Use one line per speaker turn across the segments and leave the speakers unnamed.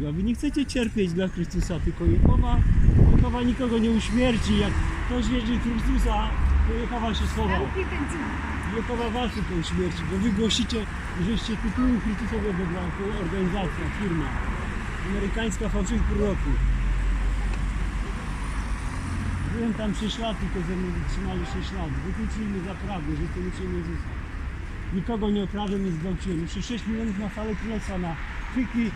Boga. Wy nie chcecie cierpieć dla Chrystusa, tylko Jehowa nikogo nie uśmierci. Jak ktoś wierzy w Chrystusa, to Jehowa się schowa. Jehowa was tylko uśmierci, bo wy głosicie, żeście tytułu Chrystusowego dla organizacja, firma amerykańska fałszywych proroków. Byłem tam 6 lat, tylko ze mną wytrzymali 6 lat. Wykluczyli mnie za prawdę, że jestem uczniem Jezusa. Nikogo nie okradłem, nie zgwałciłem. Jeszcze 6 milionów na falę królestwa, na chwyki,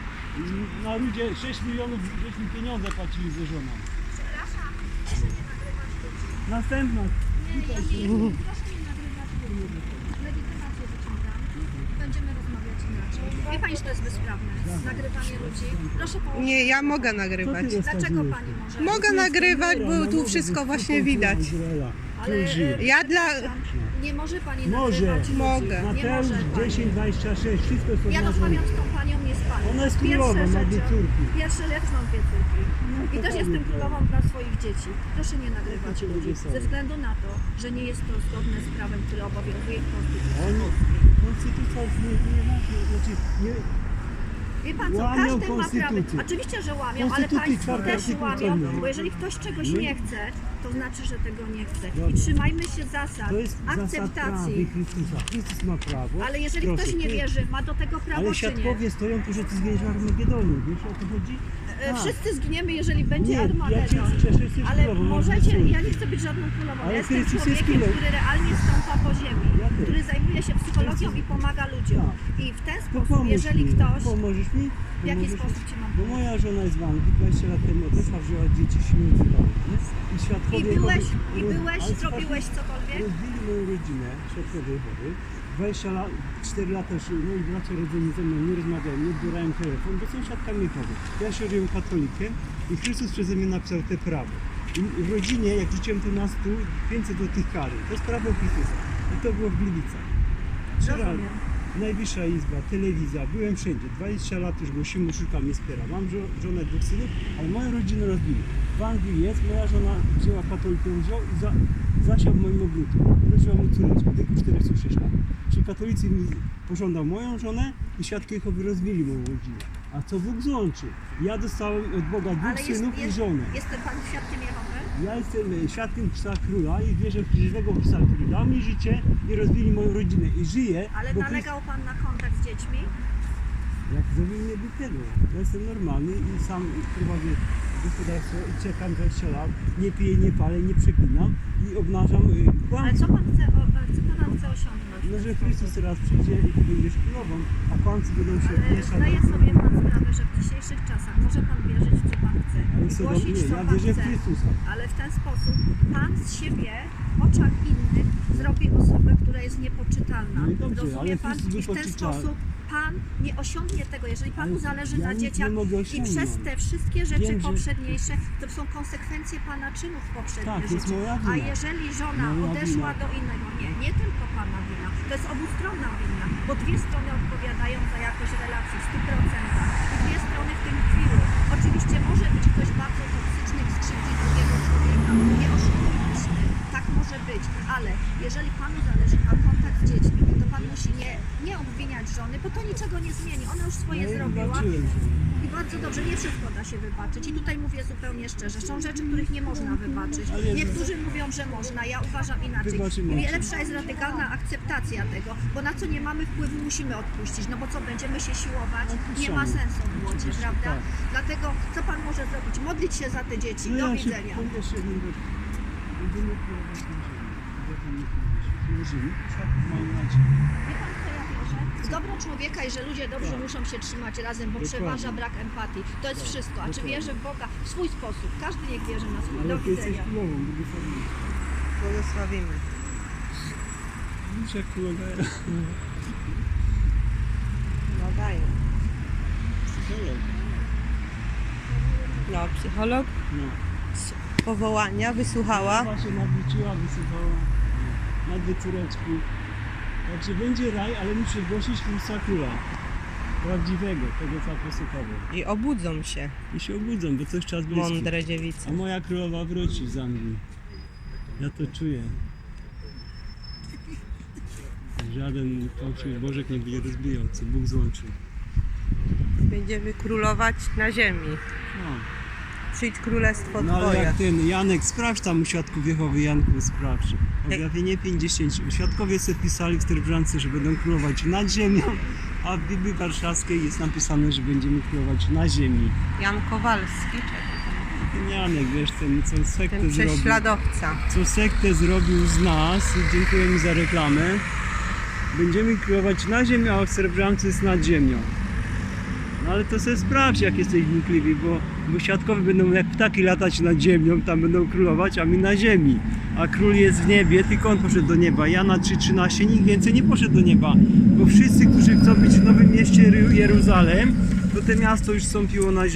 na ludzie 6 milionów, żeśmy pieniądze płacili ze żoną.
Przepraszam, proszę nie nagrywać ludzi.
Następna.
Nie, ja nie, proszę nie nagrywać ludzi. Legitymację wyciągam. Będziemy rozmawiać inaczej. Wie pani, że to jest bezprawne? Nagrywanie ludzi. Proszę położyć.
Nie, ja mogę nagrywać.
Dlaczego pani może?
Mogę nagrywać, bo tu wszystko właśnie widać.
Ale
Ja dla...
nie może pani
Może.
nagrywać ludzi.
Mogę.
Nie
Mateusz
może pani.
10:26, wszystko są
Ja rozmawiam z tą panią, nie z panią.
Ona jest
Pierwsze
królową, ma 2
rzeczy-
córki.
Pierwsze, ja też mam 2 córki. I
to
też
pani
jestem
prawo.
królową dla swoich dzieci. Proszę nie nagrywać
Jakie
ludzi.
ludzie są?
Ze względu na to, że nie jest to zgodne z prawem, które obowiązuje w Konstytucji.
Oni, konstytucja jest znaczy, nie,
Wie pan co,
Łamią
każdy ma prawo.
konstytucję.
Oczywiście, że łamią, ale
Konstytucji
państwo
czwarty
też
artykuł
łamią,
celny.
bo jeżeli ktoś czegoś
My-
nie chce, to znaczy, że tego nie chce. I
Dobrze.
trzymajmy się zasad
to jest zasad
akceptacji.
prawy Chrystusa. Chrystus ma prawo.
Ale jeżeli
Proszę,
ktoś nie
ty-
wierzy, ma do tego prawo
Ale
czy nie?
świadkowie stoją tu, że ty zginiesz w Armagedonie. Wiesz o to chodzi? Tak.
Wszyscy zginiemy, jeżeli będzie
Nie, ja cię
Armagedon.
cieszę, jesteś
Ale
królową, masz
możecie,
rację.
ja nie chcę być żadną królową.
Ale
Ja jestem
Chrystus jest
człowiekiem,
królem.
który realnie stąpa po ziemi,
Ja też.
który zajmuje się psychologią i pomaga ludziom.
Tak.
I w ten
To
sposób,
pomóż
jeżeli
mi.
ktoś...
Pomożesz mi?
W jaki
Pomożesz
sposób
mi?
ci mam
Bo
pomóc?
moja żona jest w Anglii, 20 lat temu odeszła, wzięła dzieci śmieci i świadkowie
I byłeś,
ale
zrobiłeś
słuchajcie,
cokolwiek?
rozbili moją rodzinę, świadkowie Jehowy. 20 lat, 4 lata już moi bracia rodzeni ze mną nie rozmawiają, nie odbierają telefon, bo są świadkami Jehowy. Ja się robiłem katolikiem i Chrystus przeze mnie napisał te prawo. I w rodzinie, jak rzuciłem to na stół, 500 złotych kary. To jest prawo Chrystusa. I to było w Gliwicach.
Rozumiem.
Najwyższa izba, telewizja, byłem wszędzie. 20 lat już głosimy, szukam, nie wspiera. Mam żonę, 2 synów, ale moją rodzinę rozbili. W Anglii jest, moja żona wzięła katolikę, wziął i zasiał w moim ogródku. Urodziła mu córeczkę, w wieku 46 lat. Czyli katolicy mi pożądał moją żonę i świadkowie Jehowy rozbili moją rodzinę. A co Bóg złączy? Ja dostałem od Boga 2 synów i żonę.
Jest pan świadkiem Jehowy?
Ja jestem świadkiem Chrystusa Króla i wierzę w żywego Chrystusa, który dał mi życie i rozbili moją rodzinę. I żyję,
Ale
bo
nalegał pan na kontakt z dziećmi?
jak zrobił mnie głupiego. Ja jestem normalny i sam prowadzę gospodarstwo i czekam 20 lat. Nie piję, nie palę, nie przeklinam i obnażam
Ale
kłamstwo.
co pan chce osiągnąć?
No, że Chrystus teraz przyjdzie i ty będziesz królową, a kłamcy będą się
Ale
mieszać.
zdaje sobie pan sprawę, że w dzisiejszych czasach może pan wierzyć w co pan chce
Ale
i
co
głosić
robię?
co
Ja
pan
wierzę w
chce.
Chrystusa.
Ale w ten sposób pan z siebie w oczach innych zrobi osobę, która jest niepoczytalna.
No i dobrze, ale
Rozumie pan?
Chrystus
I w ten
wypoczytalny.
sposób pan nie osiągnie tego, jeżeli panu
Ale
zależy
ja
na
nic
dzieciach
nie mogę
i
osiągnąć.
przez te wszystkie rzeczy
Wiem, że-
poprzedniejsze, to są konsekwencje pana czynów w poprzednim
Tak, to jest
życiu.
moja
A
wina.
jeżeli żona
Moja
odeszła
wina.
do innego, nie tylko pana wina, to jest obustronna wina, bo 2 strony odpowiadają za jakość relacji w 100% i 2 strony w tym tkwiły. Oczywiście może być ktoś bardzo toksyczny i skrzywdzi drugiego człowieka, nie oszukujmy się, tak może być, ale jeżeli panu zależy na kontakt z dziećmi, to pan musi nie obwiniać żony, bo to niczego nie zmieni, ona już swoje
No i
zrobiła.
wybaczyłem się.
I bardzo dobrze, nie wszystko da się wybaczyć. I tutaj mówię zupełnie szczerze, są rzeczy, których nie można wybaczyć.
Ale-
Niektórzy mówią, że można, ja uważam inaczej.
Wybaczymy.
I lepsza jest radykalna akceptacja tego, bo na co nie mamy wpływu, musimy odpuścić. No bo co, będziemy się siłować? Nie ma sensu w młodzie, prawda?
tak.
Dlatego co pan może zrobić? Modlić się za te dzieci.
No
Do
ja się
widzenia.
jeszcze jedną rzecz. Będziemy próbować na ziemi. Jak tam nie powiedzieć. Na ziemi, światło mają nadzieję.
Wie pan, co ja wierzę? W dobro człowieka i że ludzie dobrze muszą się trzymać razem, bo
Dokładnie.
przeważa brak empatii. To jest wszystko. A czy
Dokładnie.
wierzę w Boga? W swój sposób. Każdy niech wierzy na swój.
Ale
Do
ty jesteś
widzenia.
królową, błogosławiony.
Błogosławimy.
Widzisz jak królowa
No daję.
psycholog.
No, psycholog
No.
z powołania wysłuchała.
Chyba się nawróciła, wysypała na 2 córeczki. Także będzie raj, ale musi głosić Chrystusa Króla. Prawdziwego, tego co apostołowie.
I obudzą się
I się obudzą, bo coś czas bliski.
mądre dziewice.
A moja królowa wróci z Anglii. Ja to czuję. Żaden fałszywy Bożek nie będzie rozbijał, co Bóg złączył.
Będziemy królować na ziemi.
No.
Przyjdź królestwo
No ale
Twoje.
jak ten Janek, sprawdź tam u Świadków Jehowy, Janku, sprawdź. Objawienie 50. Świadkowie sobie pisali w Terbrzance, że będą królować nad ziemią, a w Biblii Warszawskiej jest napisane, że będziemy królować na ziemi.
Jan Kowalski, czekaj.
Ten Janek, wiesz, ten co sektę
Ten
zrobił.
prześladowca.
Co sektę zrobił z nas, dziękuję mi za reklamę. Będziemy królować na ziemi, a w Terbrzance jest nad ziemią. No ale to sobie sprawdź, jak jesteś wnikliwy, bo świadkowie będą jak ptaki latać nad ziemią, tam będą królować, a my na ziemi. A król jest w niebie, tylko on poszedł do nieba. Jana 3,13, nikt więcej nie poszedł do nieba. Bo wszyscy, którzy chcą być w nowym mieście Jeruzalem, to te miasto już wstąpiło na ziemię.